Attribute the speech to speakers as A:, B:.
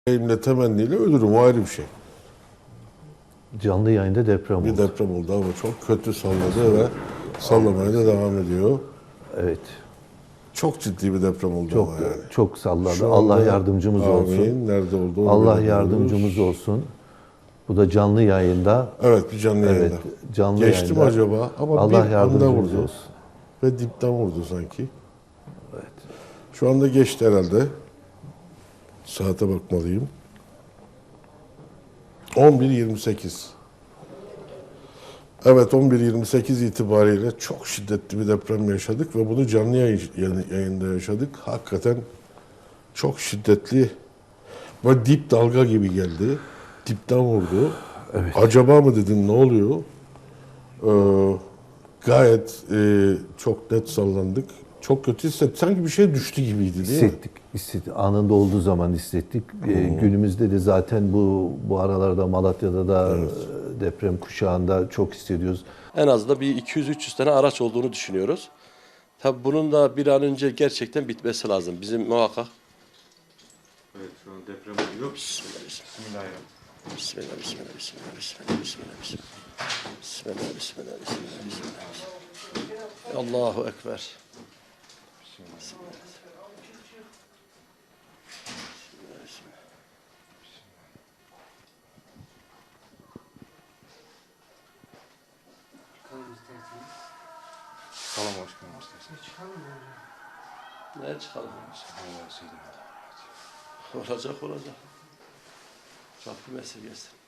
A: Elimle temenniyle ölürüm, o ayrı bir şey.
B: Canlı yayında deprem
A: Bir
B: oldu.
A: deprem oldu ama çok kötü salladı ve sallamaya da devam ediyor.
B: Evet.
A: Çok ciddi bir deprem oldu
B: Çok
A: ama yani.
B: çok salladı.
A: Şu
B: Allah
A: anda,
B: yardımcımız olsun.
A: amin, nerede oldu onu
B: Allah
A: bilemiyoruz.
B: yardımcımız olsun. Bu da canlı yayında.
A: Evet, bir canlı
B: Evet,
A: yayında.
B: canlı
A: Geçti mi
B: yayında.
A: acaba? Ama
B: Allah
A: bir anda
B: yardımcımız
A: vurdu.
B: olsun.
A: Ve dipten vurdu sanki.
B: Evet.
A: Şu anda geçti herhalde. Saate bakmalıyım. 11.28. Evet, 11.28 itibariyle çok şiddetli bir deprem yaşadık ve bunu canlı yayında yaşadık. Hakikaten çok şiddetli ve dip dalga gibi geldi. Dipten vurdu.
B: Evet.
A: Acaba mı dedin, ne oluyor? Gayet çok net sallandık. Çok kötü hissettik. Sanki bir şey düştü gibiydi değil mi?
B: Hissettik. Anında olduğu zaman hissettik. Günümüzde de zaten bu aralarda Malatya'da da deprem kuşağında çok hissediyoruz.
C: En azından bir 200-300 tane araç olduğunu düşünüyoruz. Tabii bunun da bir an önce gerçekten bitmesi lazım. Bizim muhakkak.
D: Evet, şu an deprem oluyor.
C: Bismillah,
D: Bismillahirrahmanirrahim.
C: bismillah, bismillah, bismillah, bismillah, bismillah, bismillah, bismillah, bismillah, bismillah, bismillah. Allahu Ekber. Bismillah.
D: Salam başkanım isterseniz.
C: Ne çıkalım?
D: Allah sizi de
C: Olacak olacak. Rabbim esirgesin.